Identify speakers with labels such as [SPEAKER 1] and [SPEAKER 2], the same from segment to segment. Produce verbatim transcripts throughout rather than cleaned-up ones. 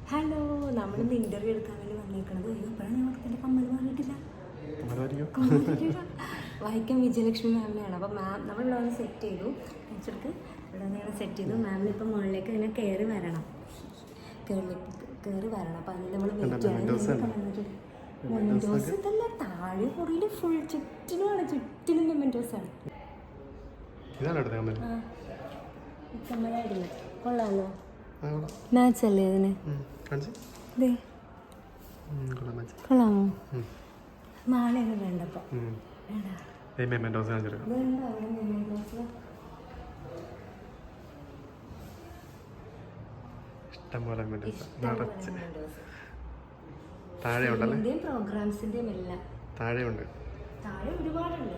[SPEAKER 1] Hello, നമ്മളിന്ന് interview എടുക്കാൻ വേണ്ടി വന്നേക്കണത്. അയ്യോ, ഇപ്പോഴാണ് ഞങ്ങൾക്ക് എൻ്റെ കമ്മൽ മാറിയിട്ടില്ല. വൈക്കം വിജയലക്ഷ്മി മാമിനെയാണ്. അപ്പോൾ മാം നമ്മളിവിടെ വന്ന് സെറ്റ് ചെയ്തു. വെച്ചെടുത്ത് ഇവിടെ നിന്ന് സെറ്റ് ചെയ്തു. മാമിന് ഇപ്പം മുകളിലേക്ക് ഇങ്ങനെ കയറി വരണം, കയറി കയറി വരണം. അപ്പം അതിന് നമ്മൾ വെയിറ്റ് ചെയ്യണം. മെമെൻറ്റോസ് ഇതല്ല, താഴെ കുറയിൽ ഫുൾ ചുറ്റിനുമാണ്, ചുറ്റിനും മെമെൻറ്റോസാണ്. കമ്മലായിരുന്നു, കൊള്ളാമല്ലോ. മാച്ച് അല്ലേ അതിന്? കൊള്ളാമോ? മാലയൊന്നും വേണ്ടപ്പോ പ്രോഗ്രാംസിന്റെയും എല്ലാം താഴെയുണ്ട്. താഴെ ഒരുപാടുണ്ട്,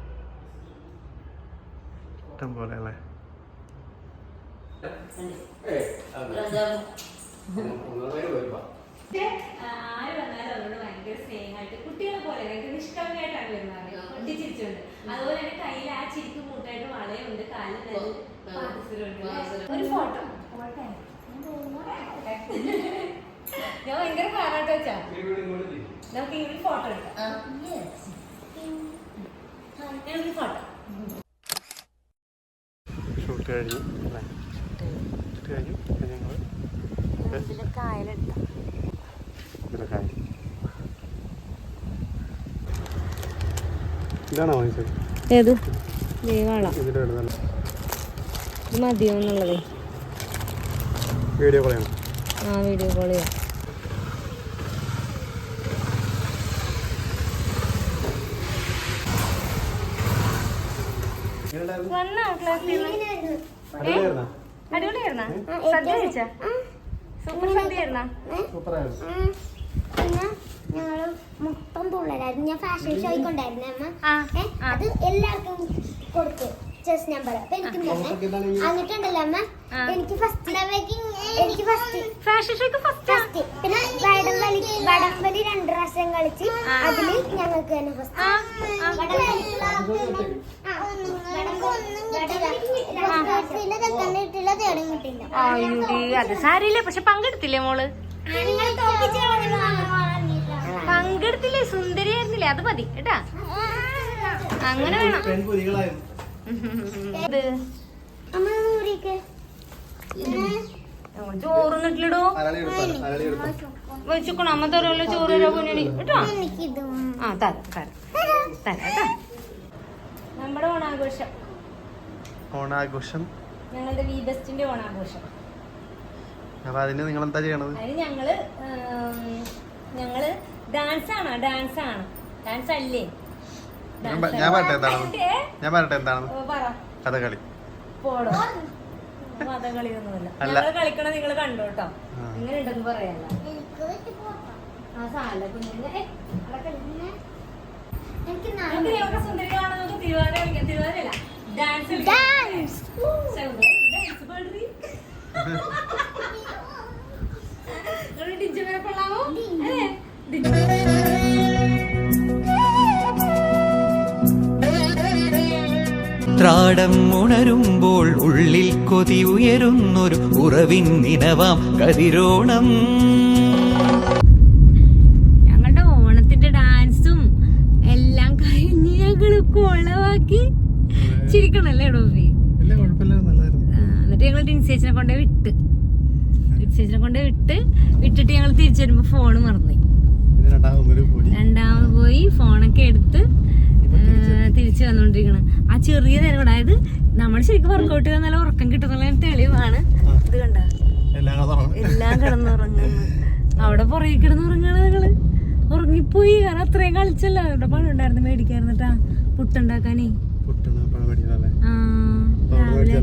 [SPEAKER 2] ഇഷ്ടം പോലെ അല്ലേ.
[SPEAKER 1] ആര് വന്നാലും അവരോട് ഭയങ്കര സ്നേഹമായിട്ട് കുട്ടികളെ പോലെ ഭയങ്കര നിഷ്കളങ്കമായിട്ടാണ് വരുന്നത്, പൊട്ടിച്ചിരിച്ചുണ്ട്. അതുപോലെ തന്നെ കയ്യിൽ ആ ചിരിക്ക് കൂട്ടായിട്ട് വളയുണ്ട്, കാലിൽ ഒരു ഫോട്ടോ. ഞാൻ ഭയങ്കര കാണാട്ടോ വെച്ചാ നമുക്ക് ഈ ഒരു ഫോട്ടോ എടുക്കാം. ഞാനൊരു ഫോട്ടോ
[SPEAKER 2] ഷൂട്ട് കഴിഞ്ഞു അല്ലേ? ഷൂട്ട് കഴിഞ്ഞു ഞങ്ങൾ
[SPEAKER 1] കായലെടുത്ത
[SPEAKER 2] ഇതാണോ വാങ്ങിച്ചത്?
[SPEAKER 1] ഏത് ദൈവമാണോ ഇത് മതിയോ എന്നുള്ളത്?
[SPEAKER 2] വീഡിയോ കോൾ ചെയ്യണം.
[SPEAKER 1] ആ വീഡിയോ കോൾ ചെയ്യാം. അടിപൊളിയായിരുന്ന സദ്യ കഴിച്ചാ? സൂപ്പർ സദ്യയായിരുന്ന?
[SPEAKER 3] പിന്നെ ഞങ്ങള് മൊത്തം പിള്ളേരായിരുന്നു. ഞാൻ ഫാഷൻ ഷോയ്ക്കൊണ്ടായിരുന്നു അമ്മ. അത് എല്ലാവർക്കും കൊടുത്തു ചെസ് നമ്പർ. അപ്പൊ എനിക്കും തന്നെ എന്നിട്ടുണ്ടല്ലോ അമ്മ, എനിക്ക് ഫസ്റ്റ് എനിക്ക് ഫസ്റ്റ്
[SPEAKER 1] ഫാഷൻ ഷോയ്ക്ക് ഫസ്റ്റ്.
[SPEAKER 3] പിന്നെ വടംവലി വടംവലി രണ്ട് പ്രാവശ്യം കളിച്ച് അതില് ഞങ്ങൾക്ക് തന്നെ ഫസ്റ്റ്.
[SPEAKER 1] അത് സാരിയില്ല, പക്ഷെ പങ്കെടുത്തില്ലേ മോള്? പങ്കെടുത്തില്ലേ? സുന്ദരിയായിരുന്നില്ലേ? അത് മതി കേട്ടാ, അങ്ങനെ വേണം. ചോറുന്നിട്ടില്ലടോ, വെച്ചിക്കണോ അമ്മ തരല്ലോ ചോറ് തരാ കേട്ടോ. ആ തരാം തരാം തരാം കേട്ടോ. നമ്മുടെ ഓണാഘോഷം
[SPEAKER 2] ഓണാഘോഷം
[SPEAKER 1] ഞങ്ങളുടെ വി ബെസ്റ്റിന്റെ ഓണാഘോഷം.
[SPEAKER 2] അപ്പൊ അതിന് നിങ്ങൾ എന്താ ചെയ്യണത്?
[SPEAKER 1] അതിന് ഞങ്ങള് ഞങ്ങള് ഡാൻസ് ആണോ? ഡാൻസ് ആണ്. ഡാൻസ് അല്ലേ?
[SPEAKER 2] ഞാൻ പറയട്ടെ എന്താണെന്ന് ഞാൻ പറയട്ടെ എന്താണെന്ന് കഥകളി.
[SPEAKER 1] പോടോ, കഥകളിയൊന്നുമല്ല. ഞങ്ങള് കളിക്കണ നിങ്ങള് കണ്ടോ കേട്ടോ. ഇങ്ങനെ ഉണ്ടെന്ന് പറയാല്ല. ആ സാല കുഞ്ഞിനെ സുന്ദരികളാണ്. നമുക്ക് തിരുവാതിര കളിക്കാം. തിരുവാതിരല്ല, ഡാൻസ് ഡാൻസ് കൊള്ളാമോ?
[SPEAKER 4] ത്രാടം ഉണരുമ്പോൾ ഉള്ളിൽ കൊതി ഉയരുന്നൊരു ഉറവിൻ നിനവാം കതിരോണം.
[SPEAKER 1] ഞങ്ങളുടെ ഓണത്തിന്റെ ഡാൻസും എല്ലാം കഴിഞ്ഞ് ഞങ്ങള് കൊളവാക്കി ചിരിക്കണല്ലേ ഡോബി? എന്നിട്ട് ഞങ്ങൾ ടിൻസേച്ചിനെ കൊണ്ടേ വിട്ട് ടിൻസേച്ചിനെ കൊണ്ടേ വിട്ട് വിട്ടിട്ട് ഞങ്ങൾ തിരിച്ചു വരുമ്പോ ഫോണ് മറന്നു. രണ്ടാമത് പോയി ഫോണൊക്കെ എടുത്ത് തിരിച്ചു വന്നോണ്ടിരിക്കണം. ആ ചെറിയ നേരം, അതായത് നമ്മൾ ശരിക്കും വർക്കൗട്ട് ചെയ്താൽ നല്ല ഉറക്കം കിട്ടുന്നുള്ള തെളിവാണ് ഇത്. കണ്ട എല്ലാം കിടന്നുറങ്ങുന്നു. അവിടെ പുറകെ കിടന്നുറങ്ങാണ് ഞങ്ങള്. ഉറങ്ങിപ്പോയി, കാരണം അത്രയും കളിച്ചല്ലോ. അവിടെ പഴം ഉണ്ടായിരുന്നു, മേടിക്കായിരുന്നിട്ടാ പുട്ടുണ്ടാക്കാനേ. ആ രാവിലെ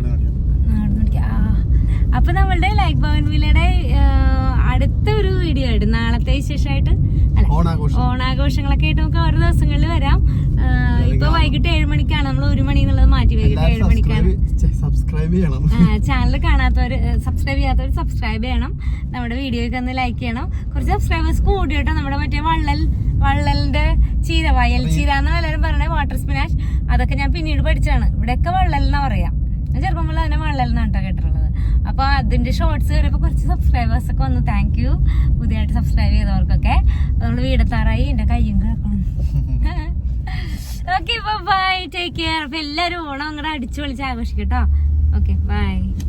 [SPEAKER 1] അപ്പൊ നമ്മളുടെ ലൈഫ് ഭവൻ വില്ലയുടെ അടുത്ത ഒരു വീഡിയോ ആയിട്ട് നാളത്തെ വിശേഷമായിട്ട് അല്ല ഓണാഘോഷങ്ങളൊക്കെ ആയിട്ട് നമുക്ക് ഓരോ ദിവസങ്ങളിൽ വരാം. ഇപ്പൊ വൈകിട്ട് ഏഴ് മണിക്കാണ്, നമ്മൾ ഒരു മണി എന്നുള്ളത് മാറ്റി വൈകിട്ട് ഏഴ് മണിക്കാണ്. ചാനൽ കാണാത്തവര്, സബ്സ്ക്രൈബ് ചെയ്യാത്തവർ സബ്സ്ക്രൈബ് ചെയ്യണം. നമ്മുടെ വീഡിയോയ്ക്ക് ഒന്ന് ലൈക്ക് ചെയ്യണം. കുറച്ച് സബ്സ്ക്രൈബേഴ്സ് കൂടി കേട്ടോ. നമ്മുടെ മറ്റേ വള്ളൽ വള്ളലിന്റെ ചീര, വയൽ ചീര എന്ന് എല്ലാവരും പറയണേ, വാട്ടർ സ്പിനാഷ്, അതൊക്കെ ഞാൻ പിന്നീട് പഠിച്ചാണ്. ഇവിടെയൊക്കെ വള്ളൽ എന്നാ പറയാം. ഞാൻ ചെറുപ്പം മുതൽ അതിനെ വള്ളൽ എന്നാട്ടോ കേട്ടിട്ടുള്ളത്. അപ്പൊ അതിന്റെ ഷോർട്സ് വരപ്പോ കുറച്ച് സബ്സ്ക്രൈബേഴ്സ് ഒക്കെ വന്നു. താങ്ക് യു പുതിയതായിട്ട് സബ്സ്ക്രൈബ് ചെയ്തവർക്കൊക്കെ. നമ്മള് വീടെത്താറായി, എന്റെ കയ്യും കിടക്കണം. Okay bye, take care. അപ്പൊ എല്ലാരും ഓണം അങ്ങോട്ട് അടിച്ചു പൊളിച്ച് ആഘോഷിക്കട്ടോ. Okay bye.